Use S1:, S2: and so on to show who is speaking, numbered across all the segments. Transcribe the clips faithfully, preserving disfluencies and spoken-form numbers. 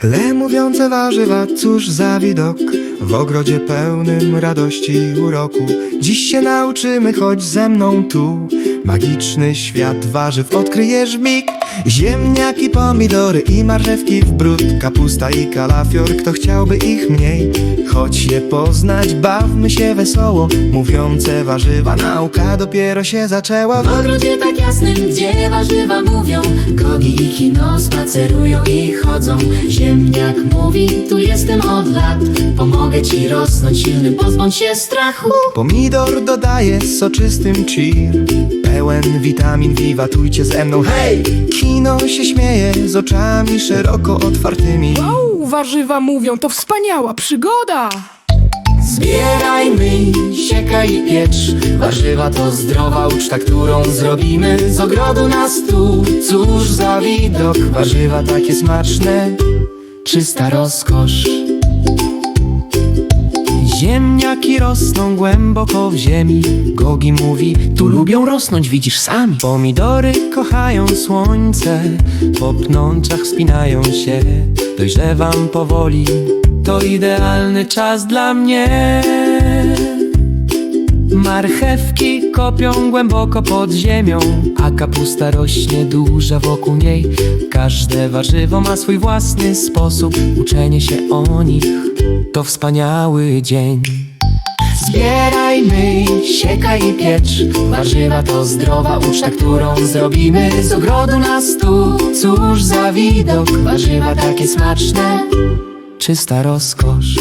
S1: Tle mówiące warzywa, cóż za widok, w ogrodzie pełnym radości i uroku. Dziś się nauczymy, chodź ze mną tu, magiczny świat warzyw odkryjesz w mig. Ziemniaki, pomidory i marchewki w bród, kapusta i kalafior, kto chciałby ich mniej? Chodź je poznać, bawmy się wesoło, mówiące warzywa, nauka dopiero się zaczęła.
S2: W ogrodzie tak jasnym, gdzie warzywa mówią, gogi i kino spacerują i chodzą. Ziemniak mówi, tu jestem od lat, pomogę ci rosnąć silnym, pozbądź się strachu.
S1: Pomidor dodaje soczystym cheer, pełen witamin, wiwatujcie ze mną, hej! Kino się śmieje z oczami szeroko otwartymi.
S3: Wow, warzywa mówią, to wspaniała przygoda!
S2: Zbieraj, myj, siekaj i piecz, warzywa to zdrowa uczta, którą zrobimy z ogrodu na stół.
S1: Cóż za widok, warzywa takie smaczne,
S2: Czysta rozkosz.
S1: ziemniaki rosną głęboko w ziemi. Gogi mówi, tu lubią rosnąć, widzisz sami. Pomidory kochają słońce, po pnączach wspinają się. Dojrzewam powoli, to idealny czas dla mnie. Marchewki kopią głęboko pod ziemią, a kapusta rośnie duża wokół niej. Każde warzywo ma swój własny sposób, uczenie się o nich to wspaniały dzień.
S2: Zbieraj, myj, siekaj i piecz, warzywa to zdrowa uczta, którą zrobimy z ogrodu na stół.
S1: Cóż za widok,
S2: Warzywa takie smaczne.
S1: czysta rozkosz.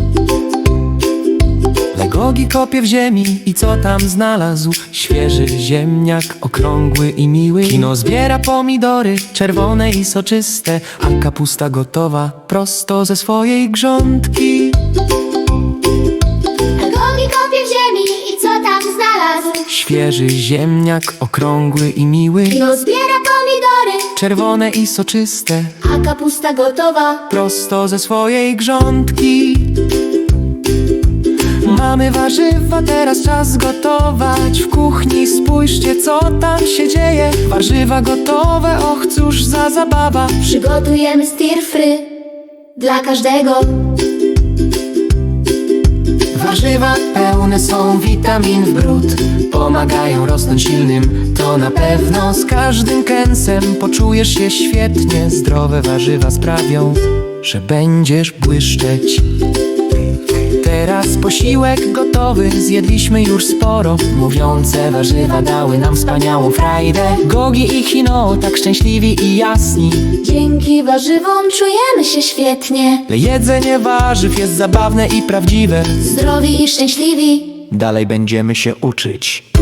S1: Legogi kopie w ziemi i co tam znalazł? Świeży ziemniak, okrągły i miły. Kino zbiera pomidory, czerwone i soczyste, a kapusta gotowa prosto ze swojej grządki.
S4: Gogi kopie w ziemi i co tam znalazł?
S1: Świeży ziemniak, okrągły i miły.
S4: No zbiera pomidory,
S1: Czerwone i soczyste,
S4: a kapusta gotowa.
S1: prosto ze swojej grządki. Mamy warzywa, teraz czas gotować. W kuchni spójrzcie, co tam się dzieje. Warzywa gotowe, och cóż za zabawa.
S4: Przygotujemy stir fry dla każdego.
S2: Warzywa pełne są witamin w bród, pomagają rosnąć silnym, to na pewno.
S1: Z każdym kęsem poczujesz się świetnie. Zdrowe warzywa sprawią, że będziesz błyszczeć. Teraz posiłek gotowy, zjedliśmy już sporo.
S2: Mówiące warzywa dały nam wspaniałą frajdę.
S1: Gogi i Kino tak szczęśliwi i jasni.
S4: Dzięki warzywom czujemy się świetnie.
S1: Jedzenie warzyw jest zabawne i prawdziwe.
S4: Zdrowi i szczęśliwi.
S1: Dalej będziemy się uczyć.